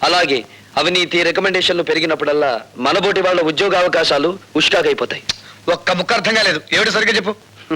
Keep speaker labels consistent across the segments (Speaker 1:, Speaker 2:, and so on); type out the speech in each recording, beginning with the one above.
Speaker 1: అలాగే అవినీతి రికమెండేషన్లు పెరిగినప్పుడల్లా మనబోటి వాళ్ళ ఉద్యోగ అవకాశాలు ఉష్కాకైపోతాయి.
Speaker 2: ఒక్క ముక్క అర్థం కాలేదు. ఏమిటి సరిగ్గా చెప్పు.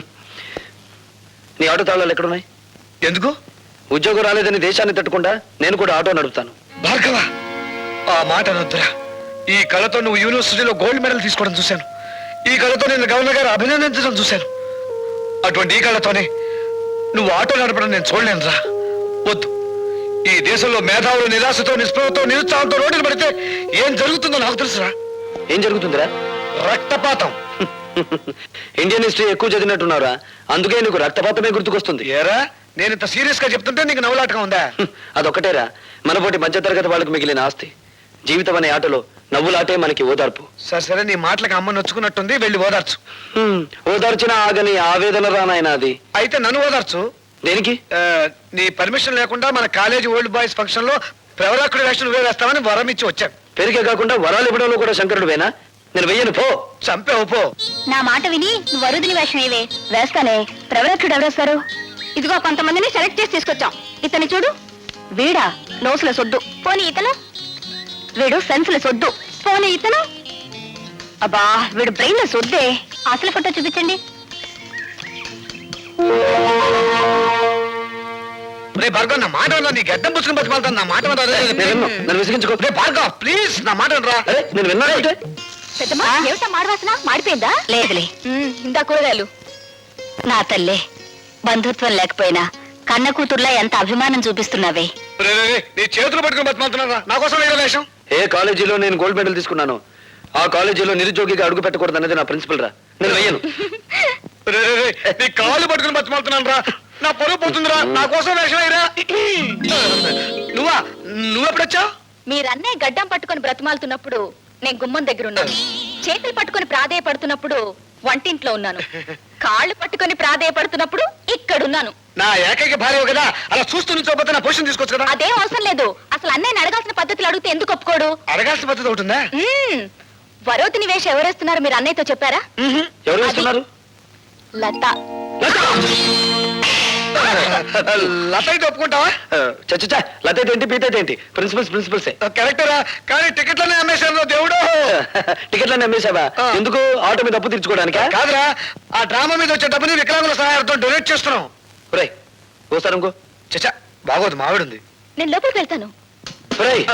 Speaker 1: నీ ఆటో తాళాలు ఎక్కడున్నాయి?
Speaker 2: ఎందుకు?
Speaker 1: ఉద్యోగం రాలేదని దేశాన్ని తట్టుకుండా నేను కూడా ఆటో నడుపుతాను.
Speaker 2: భార్గవ, ఆ మాట అనొద్దురా. ఈ కళతో నువ్వు యూనివర్సిటీలో గోల్డ్ మెడల్ తీసుకోవడం చూశాను. ఈ కళతో నేను గవర్నర్ గారు అభినందించడం చూశాను. అటువంటి ఈ కళతోనే నువ్వు ఆటో నడపడం నేను చూడలేనురా. వద్దు. ఈ దేశంలో మేధావులు నిరాశతో, నిస్పృహతో, నిరుత్సాహంతో రోడ్డులు పడితే ఏం జరుగుతుందో నాకు తెలుసురా.
Speaker 1: ఏం జరుగుతుందిరా?
Speaker 2: రక్తపాతం.
Speaker 1: ఇండియన్ హిస్టరీ ఎక్కువ చదివినట్టున్నారా? అందుకే నీకు రక్తపాతమే గుర్తుకొస్తుంది.
Speaker 2: ఏరా, నేను ఇంత సీరియస్ గా చెప్తుంటే నీకు నవ్వులాటగా ఉందా?
Speaker 1: అదొకటేరా మనపోటి మధ్యతరగతి వాళ్ళకి మిగిలిన ఆస్తి. జీవితం అనే ఆటలో నవ్వులాటే మనకి ఓదార్పు.
Speaker 2: సరే సరే, నీ మాటలకు అమ్మ నొచ్చుకున్నట్టుంది. వెళ్ళి ఓదార్చు.
Speaker 1: ఓదార్చిన ఆగని ఆవేదన రానాయన అది.
Speaker 2: అయితే నన్ను ఓదార్చు.
Speaker 1: దేనికి?
Speaker 2: నీ పర్మిషన్ లేకుండా మన కాలేజీ ఓల్డ్ బాయ్స్ ఫంక్షన్ లో ప్రవరాకుడి వేషం నువ్వే వేస్తామని వరం ఇచ్చి వచ్చాను.
Speaker 1: పెరిగే కాకుండా వరాలు ఇవ్వడంలో కూడా శంకరుడు వేనా? నేను వెయ్యను, పో.
Speaker 2: చంపేవు, పో.
Speaker 3: నా మాట విని నువ్వు వరుదిని వేషం ఏవే. వేస్తానే. ప్రవరక్షుడు ఎవరేస్తారు? ఇదిగో కొంతమందిని సెలెక్ట్ చేసి తీసుకొచ్చాం. ఇతని చూడు. వీడా నోసుల సొద్దు. పోనీ ఇతను. వీడు సెన్సుల సొద్దు. పోనీ ఇతను. అబ్బా, వీడు బ్రెయిన్ సొద్దే. అసలు ఫోటో చూపించండి.
Speaker 2: భార్గవ్, నా మాట వినరా. నీ గడ్డం పుచ్చుకుని బతిమాలతాను. నా మాట
Speaker 1: నన్ను విసిగించుకో.
Speaker 2: భార్గవ్, ప్లీజ్ నా మాట వినరా.
Speaker 1: నేను విన్నానంటే
Speaker 3: పెద్దమ్మా, ఏమిటా మాడవాసన? మాడిపోయిందా? లేదులే. ఇందా కూరగాయలు. నా తల్లే, బంధుత్వం లేకపోయినా కన్న కూతుర్లా ఎంత అభిమానం చూపిస్తున్నావే.
Speaker 2: నీ చేతులు పట్టుకుని బతిమాలుతున్నారా? నా కోసం వేరే వేషం.
Speaker 1: ఏ కాలేజీలో నేను గోల్డ్ మెడల్ తీసుకున్నాను ఆ కాలేజీలో నిరుద్యోగిగా అడుగు పెట్టకూడదు అనేది నా ప్రిన్సిపల్ రా. నేను వెయ్యను.
Speaker 2: నీ కాళ్ళు పట్టుకుని బతిమాలుతున్నాను రా. నా పొరుగు పోతుందిరా. నా కోసం వేషం వేయరా. నువ్వెప్పుడొచ్చావు?
Speaker 3: మీరన్నే గడ్డం పట్టుకొని బ్రతిమాలుతున్నప్పుడు నేను గుమ్మం దగ్గర ఉన్నాను. చేతులు పట్టుకొని ప్రాధేయపడుతున్నప్పుడు వంటింట్లో ఉన్నాను. కాళ్ళు పట్టుకొని ప్రాధేయపడుతున్నప్పుడు ఇక్కడున్నాను.
Speaker 2: నా ఏకైక భార్య కదా, అలా చూస్తూ నుంచోపోతే నా పొజిషన్ తీసుకోవచ్చు కదా.
Speaker 3: అదేం అవసరం లేదు. అసలు అన్నయ్యని అడగాల్సిన పద్ధతులు అడిగితే ఎందుకు ఒప్పుకోడు?
Speaker 2: అడగాల్సిన పద్ధతి ఒకటి ఉందా?
Speaker 3: వరోతిని వేషం ఎవరేస్తున్నారు మీరు అన్నయ్యతో చెప్పారా?
Speaker 1: ఎవరు వేస్తున్నారు?
Speaker 3: లత.
Speaker 2: లత అయితే ఒప్పుకుంటావా?
Speaker 1: చచ్చా, లత ఏంటి, పీత ఏంటి? ప్రిన్సిపల్సే.
Speaker 2: కరెక్టరా, కానీ టికెట్లనే అమ్మేశాను దేవుడు.
Speaker 1: టికెట్లన్నీ అమ్మేశావా? ఎందుకు? ఆటో మీద అప్పు తీర్చుకోవడానికా?
Speaker 2: కాదురా, ఆ డ్రామా మీద వచ్చే డబ్బుని వికలాంగుల సహాయంతో డొనేట్ చేస్తున్నాం.
Speaker 1: ఒరేయ్, ఓసారి ఇంకో.
Speaker 2: చచ్చా, బాగోదు, మావిడుంది.
Speaker 3: నేను లోపలికి వెళ్తాను.
Speaker 1: ఒరేయ్